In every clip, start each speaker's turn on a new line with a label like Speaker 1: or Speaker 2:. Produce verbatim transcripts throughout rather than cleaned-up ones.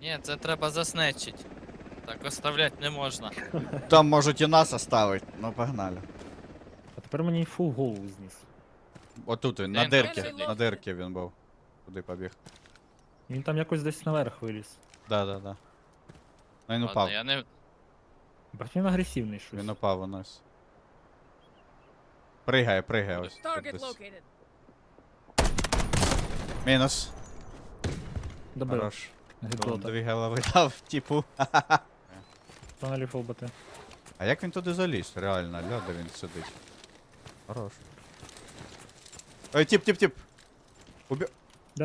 Speaker 1: Ні, це треба заснечить. Так оставлять не можна.
Speaker 2: Там можуть і нас оставить. Ну погнали.
Speaker 3: А тепер мені фул голову зніс.
Speaker 2: Отут він,
Speaker 1: Де
Speaker 2: на
Speaker 1: він там
Speaker 2: дирки.
Speaker 1: сидить?
Speaker 2: На дирки він був. Куди побіг?
Speaker 3: Він там якось десь наверх виліз.
Speaker 2: Да, да, да. Ну він
Speaker 1: Ладно,
Speaker 2: упав.
Speaker 1: я не...
Speaker 3: Бать він агресивний щось.
Speaker 2: Він упав у нас. Пригає, пригає ось. тут
Speaker 4: Target
Speaker 2: десь.
Speaker 4: located.
Speaker 2: Мінус.
Speaker 3: Добив.
Speaker 2: Хорош. Он
Speaker 3: Гидота.
Speaker 2: дві голови дав, типу.
Speaker 3: Тонелі фолбати.
Speaker 2: А як він туди заліз? Реально, ля, де він сидить. Хорош. Ой, тип, тип, тип. Убі...
Speaker 3: Де?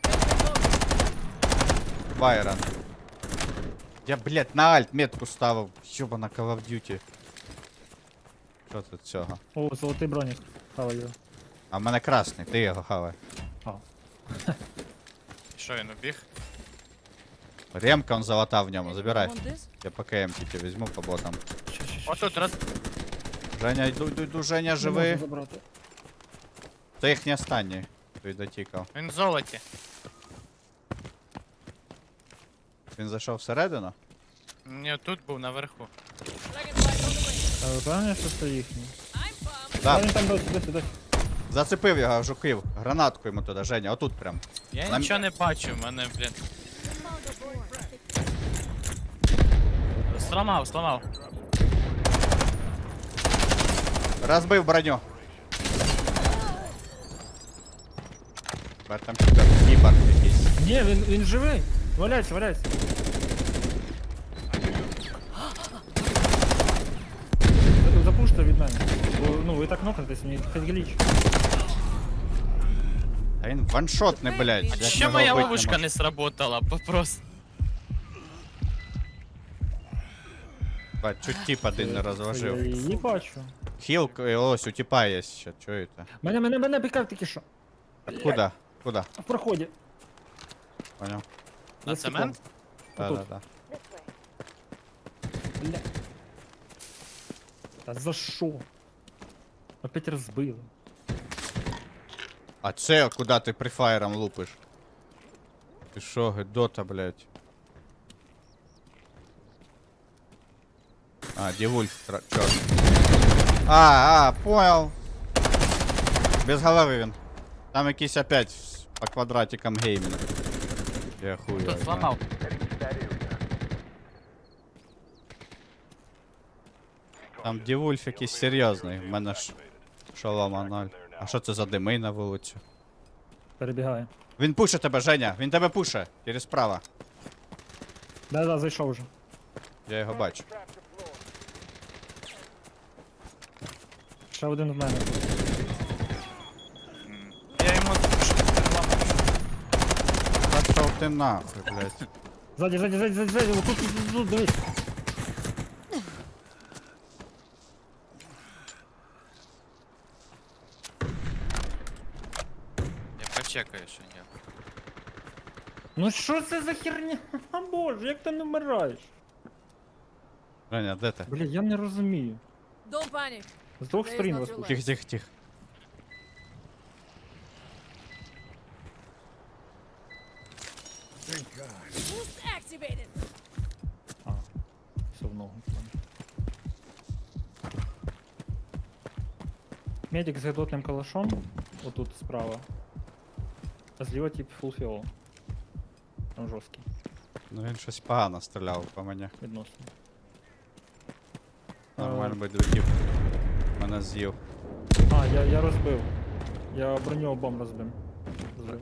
Speaker 2: Байрон. Я, блядь, на альт метку ставив. Йобана Call of Duty. Що тут цього?
Speaker 3: О, золотий бронік. Хавай його.
Speaker 2: А в мене красний, ти його хавай.
Speaker 1: Що він убіг?
Speaker 2: Ремка он золота в ньому, забирай.
Speaker 4: Want this?
Speaker 2: Я по КМ тільки візьму по ботам.
Speaker 3: Ща, ща, ща,
Speaker 1: Отут
Speaker 3: ща.
Speaker 1: роз...
Speaker 2: Женя, йду, йду, йду, Женя,
Speaker 3: Не можу
Speaker 2: живи.
Speaker 3: забрати.
Speaker 2: Це їхній останній. Той дотікав.
Speaker 1: Він в золоті.
Speaker 2: Він зайшов всередину?
Speaker 1: Ні, тут був наверху.
Speaker 4: Dragonflies on the way.
Speaker 3: А ви впевнені, що це їхній?
Speaker 4: I'm bummed.
Speaker 2: Да,
Speaker 3: А він там досі, досі, досі.
Speaker 2: зацепив його, жукив. Гранатку йому туди, Женя, отут прям.
Speaker 1: Я
Speaker 2: Нам-
Speaker 1: нічого не бачу, в мене, блін. Сламав, сламав.
Speaker 2: Розбив броню. Бер там кібер, кібер якийсь.
Speaker 3: Ні, він, він живий. Валяйся, валяйся. За- Запуште від мене. Бо, ну, ви так нокнетесь, мені хоч гліч.
Speaker 2: А він ваншотний, блядь.
Speaker 4: А
Speaker 2: як
Speaker 1: Ще
Speaker 2: його
Speaker 1: моя
Speaker 2: вбить
Speaker 1: ловушка
Speaker 2: можна?
Speaker 1: не сработала, просто.
Speaker 2: Бать, чуть тип один не
Speaker 3: Я
Speaker 2: розложив.
Speaker 3: її бачу.
Speaker 2: Хіл, ось, у типа є ще, чуєте?
Speaker 3: Мене, мене, мене пікав тільки що.
Speaker 2: Куда? Куда?
Speaker 3: В проході.
Speaker 2: Понял?
Speaker 1: На
Speaker 3: За
Speaker 1: цемент?
Speaker 3: стеклом.
Speaker 2: Да,
Speaker 3: Отут.
Speaker 2: да, да.
Speaker 3: Бля. Та за що? Опять розбили.
Speaker 2: А це куди ти прифаєром лупиш? Ти шо, гидота, блядь. А, Дівульф, тра- чорт. А, а, понял. Без голови він. Там якийсь опять с- по квадратикам геймінг. Я хуй.
Speaker 1: Тут зламав.
Speaker 2: Там Дівульф якийсь серйозний. В мене ж шолома ноль. А що це за дими на вулицю?
Speaker 3: Перебігає.
Speaker 2: Він пуше тебе, Женя, він тебе пуше. Через справа.
Speaker 3: Да-да, зайшов вже.
Speaker 2: Я його бачу.
Speaker 3: Ще один в мене.
Speaker 1: Я йому
Speaker 2: Пішов ти нахуй, блядь.
Speaker 3: Ззаді, ззаді, ззаді, ззаді, ззаді, тут, тут, тут, тут, дивись.
Speaker 1: Я почекаю, що ні.
Speaker 3: Ну що це за херня? А боже, як ти не вмираєш?
Speaker 2: Женя, де ти?
Speaker 3: Бля, я не розумію.
Speaker 4: Don't panic.
Speaker 3: З двох
Speaker 4: There is
Speaker 3: сторін
Speaker 4: not
Speaker 3: вас
Speaker 4: your
Speaker 3: тут.
Speaker 2: Тихо, тихо, тихо.
Speaker 4: Boost activated.
Speaker 3: А, все в ногу. Медик з гидотним калашом. Отут справа. А зліва тип фул фіол. Там жорсткий,
Speaker 2: Ну він щось погано стріляв по мені.
Speaker 3: відносно.
Speaker 2: Нормально би долетів. Мене з'їв.
Speaker 3: А, я, я розбив. Я броню обом розбив. Розбив.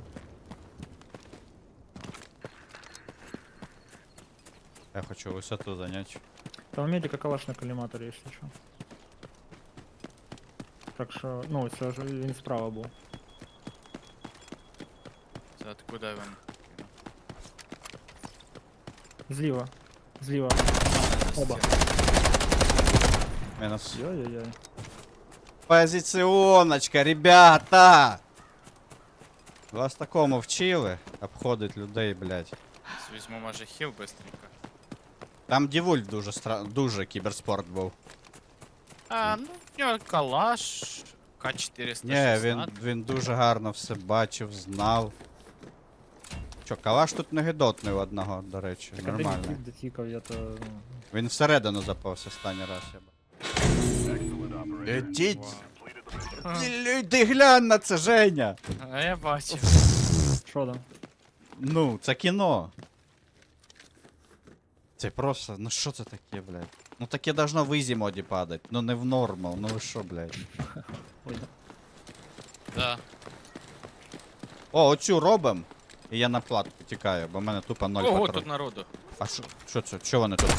Speaker 2: Я хочу висоту зайняти.
Speaker 3: Там у медика калаш на коліматорі, якщо що. Так що, ну, це ж він справа був.
Speaker 1: Це откуда він?
Speaker 3: Зліва. Зліва. Оба.
Speaker 2: Мінус.
Speaker 3: Йой-йой-йой.
Speaker 2: Позиціоночка, ребята! Вас такому вчили? Обходить людей, блядь.
Speaker 1: Візьму, може, хіл быстренько.
Speaker 2: Там Дівульф дуже стра... дуже кіберспорт був.
Speaker 1: А, ну, в нього калаш, К чотириста
Speaker 2: Ні,
Speaker 1: шістнадцять.
Speaker 2: він, він дуже гарно все бачив, знав. Що, калаш тут не гидотний у одного, до речі,
Speaker 3: Так один
Speaker 2: нормально.
Speaker 3: тіп дотікав, я то... ну,
Speaker 2: Він всередину запався останній раз, я б. Ідіть!
Speaker 1: А,
Speaker 2: Ти глянь на це, Женя!
Speaker 1: а я бачив.
Speaker 3: Що там?
Speaker 2: Ну, це кіно. Це просто, ну що це таке, блядь? Ну таке должно в ізі моді падати, ну не в нормал, ну ви що, блядь.
Speaker 3: Ой,
Speaker 1: Да.
Speaker 2: О, оцю робим. І я на платку тікаю, бо в мене тупо ноль
Speaker 1: Ого,
Speaker 2: патронів.
Speaker 1: тут народу.
Speaker 2: А що, що це? Що вони тут?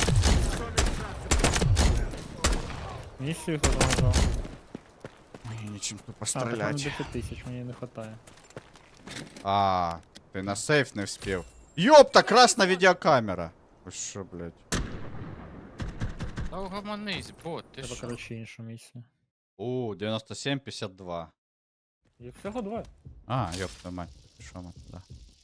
Speaker 3: місію хто там нажав.
Speaker 2: Ой, нічим тупо
Speaker 3: А, так воно
Speaker 2: стріляти.
Speaker 3: десять тисяч, мені не хватає.
Speaker 2: А, ти на сейф не вспів. Йопта, красна відеокамера. Ви що, блядь?
Speaker 1: Та угомонись, бот, ти
Speaker 3: Треба,
Speaker 1: що?
Speaker 3: коротше, іншу місію.
Speaker 2: У, дев'яносто сім п'ятдесят два.
Speaker 3: Їх всього два.
Speaker 2: А, ёпта мать, пішов ми туди.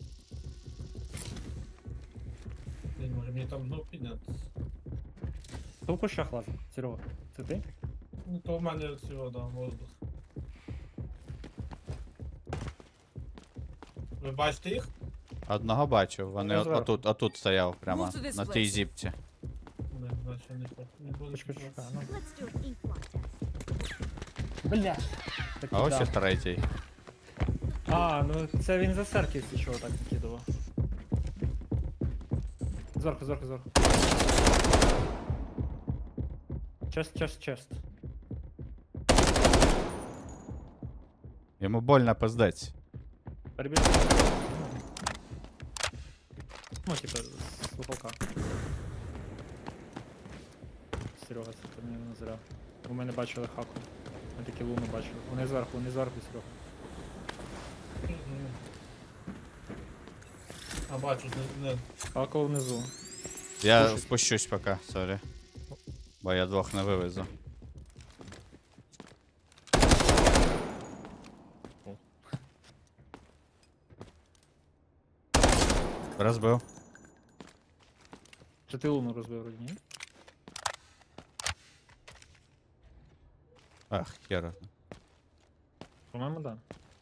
Speaker 5: Блін, може мені там знов піднятися.
Speaker 3: Хто в кущах лазить? Серега, це ти?
Speaker 5: Ну то в мене цього, да, воздух. Ви бачите їх?
Speaker 2: Одного бачив, вони
Speaker 3: Я
Speaker 2: от,
Speaker 3: зверху.
Speaker 2: отут, отут стояв, прямо
Speaker 4: Move to this
Speaker 2: на тій
Speaker 4: place.
Speaker 2: зіпці.
Speaker 5: Не, значить не по- не буду.
Speaker 3: Почекай, почекай, ну.
Speaker 6: Let's do an ink blot test.
Speaker 3: Бля! Так,
Speaker 2: А ось
Speaker 3: да.
Speaker 2: і третій.
Speaker 3: А, ну це він за серківці чого так накидував. Зверху, зверху, зверху. Чест, чест, чест.
Speaker 2: Йому больно пиздець.
Speaker 3: Перебіг. Ну, типа, з лупака. Серега, це ти мене не зря. Бо ми не бачили хаку. Ми такі луну бачили. Вони зверху, вони зверху, Серега.
Speaker 5: Мгм. А бачу, не, не.
Speaker 3: Хаку внизу.
Speaker 2: Я
Speaker 3: Слушай.
Speaker 2: спущусь поки, сорі. Бо я двох не вивезу. Розбив.
Speaker 3: Чи ти луну розбив вроді, ні?
Speaker 2: Ах, хера.
Speaker 3: По-моєму, да.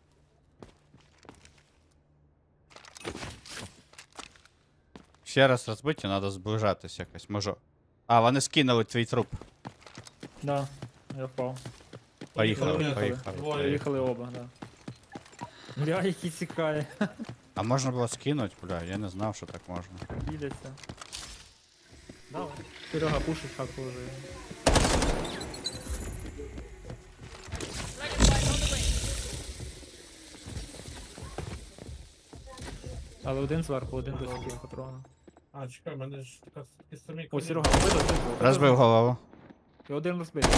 Speaker 2: Ще раз розбиті, треба зближатись якось. Можу. А, вони скинули твій труп.
Speaker 3: Да, я впав.
Speaker 2: Поїхали,
Speaker 5: Поїхали.
Speaker 2: поїхали.
Speaker 5: Двоє.
Speaker 2: поїхали.
Speaker 3: Приїхали оба, да. Бля, який цікаві.
Speaker 2: А можна було скинути, бля, я не знав, що так можна.
Speaker 3: Біляться. Давай. Серега пушить хаку вже.
Speaker 4: Dragonflies on the way.
Speaker 3: Але один зверху, один без таких патронів.
Speaker 5: А, чекай, в мене ж така такі самі
Speaker 3: О,
Speaker 5: коні.
Speaker 3: Серега, вбито, вбито.
Speaker 2: Розбив голову.
Speaker 3: І один розбитий.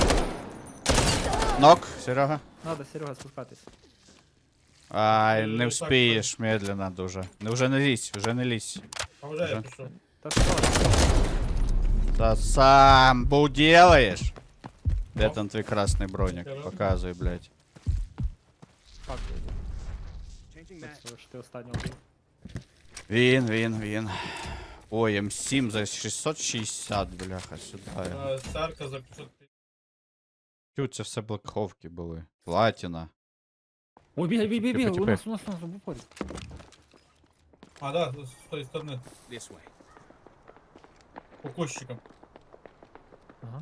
Speaker 2: Нок, Серега.
Speaker 3: Надо, Серега, спускатись.
Speaker 2: Ай,
Speaker 5: Е,
Speaker 2: не
Speaker 5: так,
Speaker 2: вспієш, медленно дуже. Не, вже не лізь, вже не лізь.
Speaker 5: А вже я
Speaker 2: Вже.
Speaker 5: пішов.
Speaker 3: Та що?
Speaker 2: Та сам бу делаєш. Де
Speaker 5: Ну.
Speaker 2: там твій красний бронік?
Speaker 5: Я роблю.
Speaker 2: Показуй, блядь.
Speaker 3: Фак. Це ж ти останнього був.
Speaker 2: Він, він, він. Ой, М сім за шістсот шістдесят, бляха, сюди.
Speaker 5: Е, Церква за п'ятсот п'ятдесят.
Speaker 2: Тю, це все блекховки були. Платіна.
Speaker 3: Ой, бігай, бігай, бігай,
Speaker 2: Типу,
Speaker 3: у нас, у нас, у нас, в упорі.
Speaker 5: А, да, з з тої сторони. По кущикам.
Speaker 3: Ага.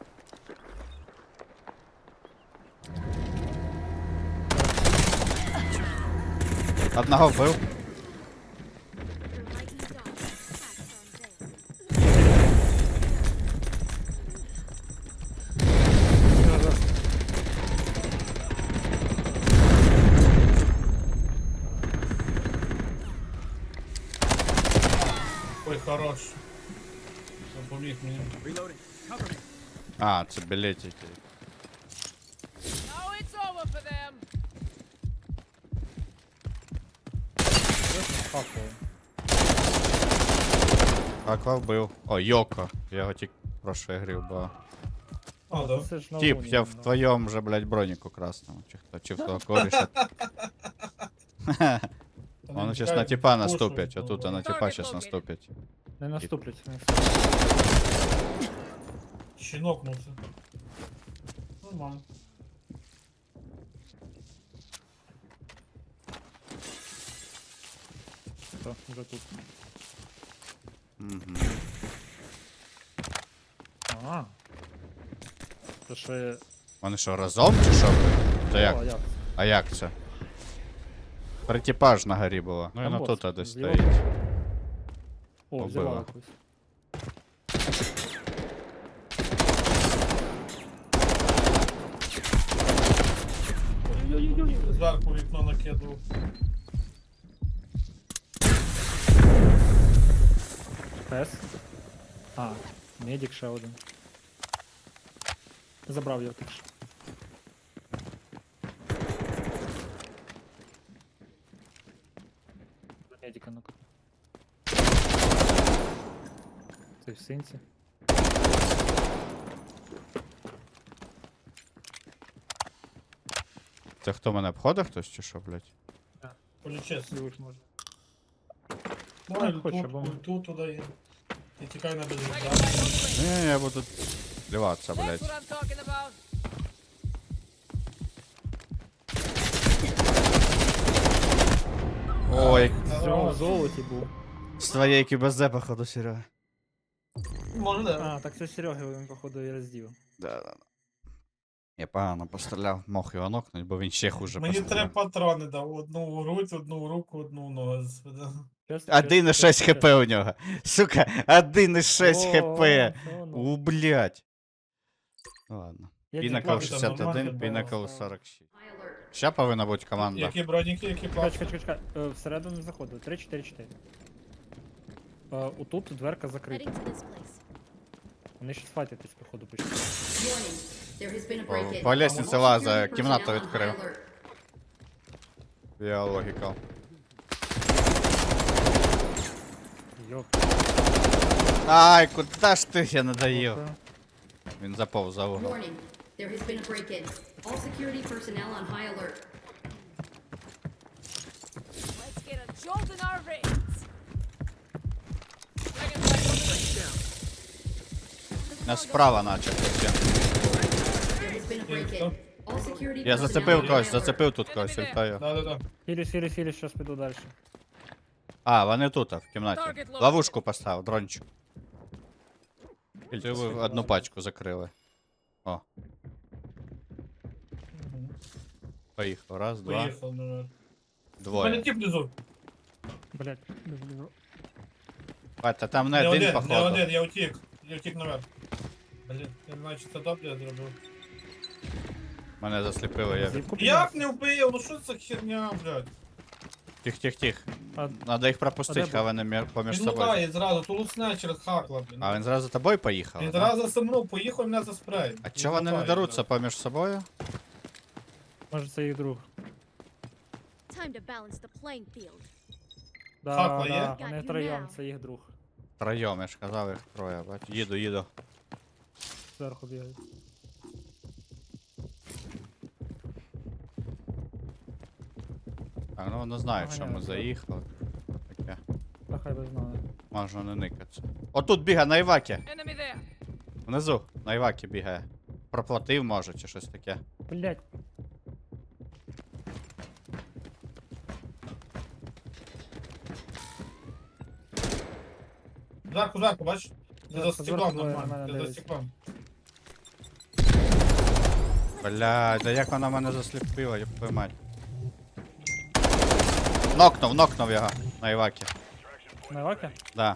Speaker 2: Одного вбив.
Speaker 6: Your mighty dog attacks on Vale.
Speaker 5: Ой, хорош. Допоміг мені.
Speaker 2: А, це білетики.
Speaker 4: Now it's over for them.
Speaker 3: Хаку.
Speaker 2: Аква вбив. О, Йоко. Я його тільки в прошлій грі вбив.
Speaker 5: А, да.
Speaker 3: Це ж на
Speaker 2: Тіп,
Speaker 3: луні,
Speaker 2: я в
Speaker 3: ну.
Speaker 2: твоєму же, блядь, броніку красному. Чи хто, чи в того коріша. Вони зараз на тіпа наступять, а тут на тіпа зараз наступять.
Speaker 3: Не наступлять. не наступлять.
Speaker 5: Щінок мусив. Нормально.
Speaker 3: Все, вже тут.
Speaker 2: Угу.
Speaker 3: А. Це ще...
Speaker 2: Вони що, разом чи що? Це як?
Speaker 3: О, як?
Speaker 2: А як це? Тритіпаж на горі було. Ну і
Speaker 3: Там
Speaker 2: на
Speaker 3: бос.
Speaker 2: тут десь
Speaker 3: Зліва
Speaker 2: стоїть.
Speaker 3: бос. О,
Speaker 2: Убила.
Speaker 3: взяла якусь.
Speaker 5: Зверху вікно накидував.
Speaker 3: Пес. А, медик ще один. Забрав його тільки що. За медика ну Це в синці.
Speaker 2: Це хто мене обходить хтось чи що, блядь?
Speaker 5: Полічись.
Speaker 3: Злівих може.
Speaker 5: Давай
Speaker 3: Так, хочу,
Speaker 5: тут,
Speaker 3: бо-
Speaker 5: тут туди є. І тікай на
Speaker 4: Dragon
Speaker 5: безвізда.
Speaker 4: flight on the wing.
Speaker 2: Ні, я буду плюватися,
Speaker 4: That's
Speaker 2: блядь.
Speaker 4: what I'm talking about.
Speaker 2: Ой,
Speaker 3: Все, в золоті був.
Speaker 2: з твоєї кібезе, походу, Серега.
Speaker 5: Може, да.
Speaker 3: А, так це Сереги він, походу, і роздів.
Speaker 2: Да, да, да. Я погано постріляв, мог його нокнуть, бо він ще хуже
Speaker 5: Мені три
Speaker 2: постріляв.
Speaker 5: патрони дав. Одну в грудь, одну в руку, одну в ногу.
Speaker 3: Чесно,
Speaker 2: один і
Speaker 3: чесно,
Speaker 2: шість
Speaker 3: чесно.
Speaker 2: хп у нього. Сука, один і шість
Speaker 3: О,
Speaker 2: хп.
Speaker 3: все одно.
Speaker 2: У, блядь. Ладно.
Speaker 3: Я
Speaker 2: Пінакл
Speaker 3: діплав,
Speaker 2: шістдесят один,
Speaker 5: нормально,
Speaker 2: Пінакл
Speaker 5: бо-
Speaker 2: сорок шість. Ща повинна бути команда.
Speaker 5: Які броніки, які
Speaker 3: Чекай,
Speaker 5: плачуть.
Speaker 3: чекай, чекай, чекай. Е, Всередину не заходили. три, чотири, чотири. Е, Отут дверка закрита.
Speaker 6: Heading to this place.
Speaker 3: Вони щас файтитись, походу, почали.
Speaker 7: There has been a
Speaker 2: По,
Speaker 7: break-in.
Speaker 2: по лестниці
Speaker 7: All
Speaker 2: лаза,
Speaker 7: security
Speaker 2: кімнату
Speaker 7: personnel on
Speaker 2: відкрив.
Speaker 7: high alert.
Speaker 2: Я логіка.
Speaker 3: Йоп.
Speaker 2: Ай, куда ж ти я надоїв? Він заповз за угол.
Speaker 7: Warning, there has been a break-in. All security personnel on high alert.
Speaker 4: Let's get a jolt in our veins. Dragon flight on the wing.
Speaker 2: Нас справа наче.
Speaker 7: There has been a break-in. All security
Speaker 2: Я
Speaker 7: personnel
Speaker 2: зацепив
Speaker 7: on
Speaker 2: когось,
Speaker 7: high alert.
Speaker 2: зацепив тут когось, вітаю.
Speaker 5: Да-да-да.
Speaker 3: Хілі, хілі, хілі, щас піду далі.
Speaker 2: А, вони тут, в кімнаті. Ловушку поставив, дрончик. Ти ви одну пачку закрили. О. Поїхав. Раз, два,
Speaker 5: Поїхав, ну. У мене
Speaker 2: двоє.
Speaker 5: тип внизу.
Speaker 3: Блять, біжу, біжу.
Speaker 2: Бать, а там не
Speaker 5: Не
Speaker 2: один,
Speaker 5: один, не
Speaker 2: походу.
Speaker 5: один, я утік. Я утік наверх. Блін, я не знаю, чи це добре я зробив.
Speaker 2: Мене засліпили, я.
Speaker 3: Зіпку
Speaker 5: Як не вбив? Ну що це херня, блядь?
Speaker 2: Тих, тих, тих.
Speaker 3: А,
Speaker 2: Надо їх
Speaker 3: А
Speaker 2: пропустити,
Speaker 3: де
Speaker 2: хай вони мір- поміж
Speaker 5: Він
Speaker 2: собою.
Speaker 5: лутає зразу, то лусне через хакла, блін.
Speaker 2: А він зразу за тобою поїхав?
Speaker 5: Він
Speaker 2: да?
Speaker 5: зразу за мною поїхав, мене за спрей.
Speaker 2: А чого вони не даруться поміж собою?
Speaker 3: може це їх друг.
Speaker 6: Time to balance the playing field.
Speaker 3: Да,
Speaker 5: Хакла є?
Speaker 3: да,
Speaker 6: Got
Speaker 3: вони
Speaker 6: you
Speaker 3: втроєм,
Speaker 6: now.
Speaker 3: це їх друг.
Speaker 2: Троєм, я ж казав, їх троє, бач. Їду, їду.
Speaker 3: Зверху бігають.
Speaker 2: Так, ну вони знають, що ми
Speaker 3: Поганяють, так.
Speaker 2: заїхали. Таке.
Speaker 3: Та хай би знали.
Speaker 2: Можна не никатися. Отут бігає на Івакі.
Speaker 4: Enemy there.
Speaker 2: Внизу, на Івакі бігає. Проплатив, може, чи щось таке.
Speaker 3: Блять,
Speaker 5: Зверху, зверху, бачиш? Не за
Speaker 3: Зверху,
Speaker 5: стеклом
Speaker 3: двоє на
Speaker 5: нормально,
Speaker 3: мене
Speaker 5: не за
Speaker 3: дивиться.
Speaker 5: стеклом.
Speaker 2: Блядь, да як вона мене засліпила, я твою мать. Нокнув, нокнув його на Івакі.
Speaker 3: на Івакі?
Speaker 2: Да.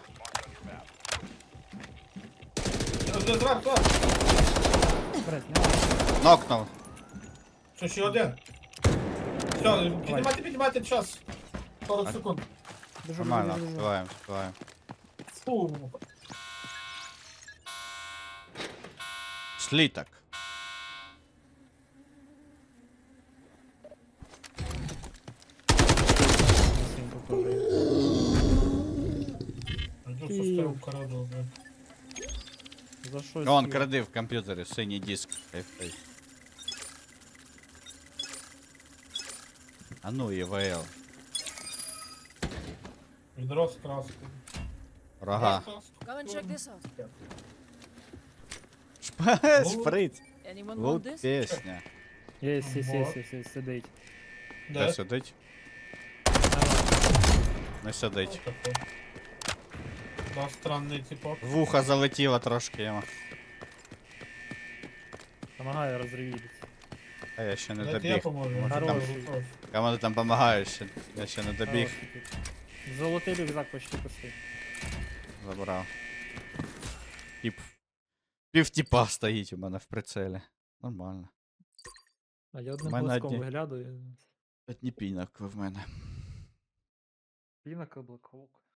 Speaker 5: Зверху, зверху.
Speaker 3: Блять, не
Speaker 2: Нокнув.
Speaker 5: Що, ще один? Все, піднімайте, піднімайте час. сорок секунд.
Speaker 3: біжу, біжу,
Speaker 2: Нормально,
Speaker 3: біжу, біжу.
Speaker 2: співаємо, співаємо.
Speaker 5: Фу.
Speaker 2: Сліток.
Speaker 3: Сім попали.
Speaker 5: Йду, що став коридор, блядь.
Speaker 3: За що
Speaker 2: Он
Speaker 3: сів?
Speaker 2: кради в комп'ютері, синій диск. Хай-хай. А ну, ІВЛ.
Speaker 5: Відро з краскою.
Speaker 2: Рога.
Speaker 4: Come and check this out.
Speaker 2: Шприц.
Speaker 4: Anyone want
Speaker 2: Вот
Speaker 4: this?
Speaker 2: пісня.
Speaker 3: Єсть, єсть,
Speaker 5: Вот.
Speaker 3: єсть, єсть, єсть, сидить.
Speaker 2: Де
Speaker 5: Де?
Speaker 2: сидить? Не сидить.
Speaker 5: Отако. Да, странний типок.
Speaker 2: В вуха залетіло трошки йому.
Speaker 3: Помагаю розривіть.
Speaker 2: А я ще не
Speaker 5: Дайте я
Speaker 2: добіг.
Speaker 5: поможу.
Speaker 3: Хороший.
Speaker 5: Хорош.
Speaker 2: Кому ти там допомагаєш? ще- Я ще не добіг.
Speaker 3: Золотий рюкзак почти пустий.
Speaker 2: Забрав. Тип. Пів тіпа стоїть у мене в прицелі. Нормально.
Speaker 3: А я одним
Speaker 2: мене
Speaker 3: глазком
Speaker 2: одні-
Speaker 3: виглядаю.
Speaker 2: Одні пінок в мене.
Speaker 3: Пінок облаковок.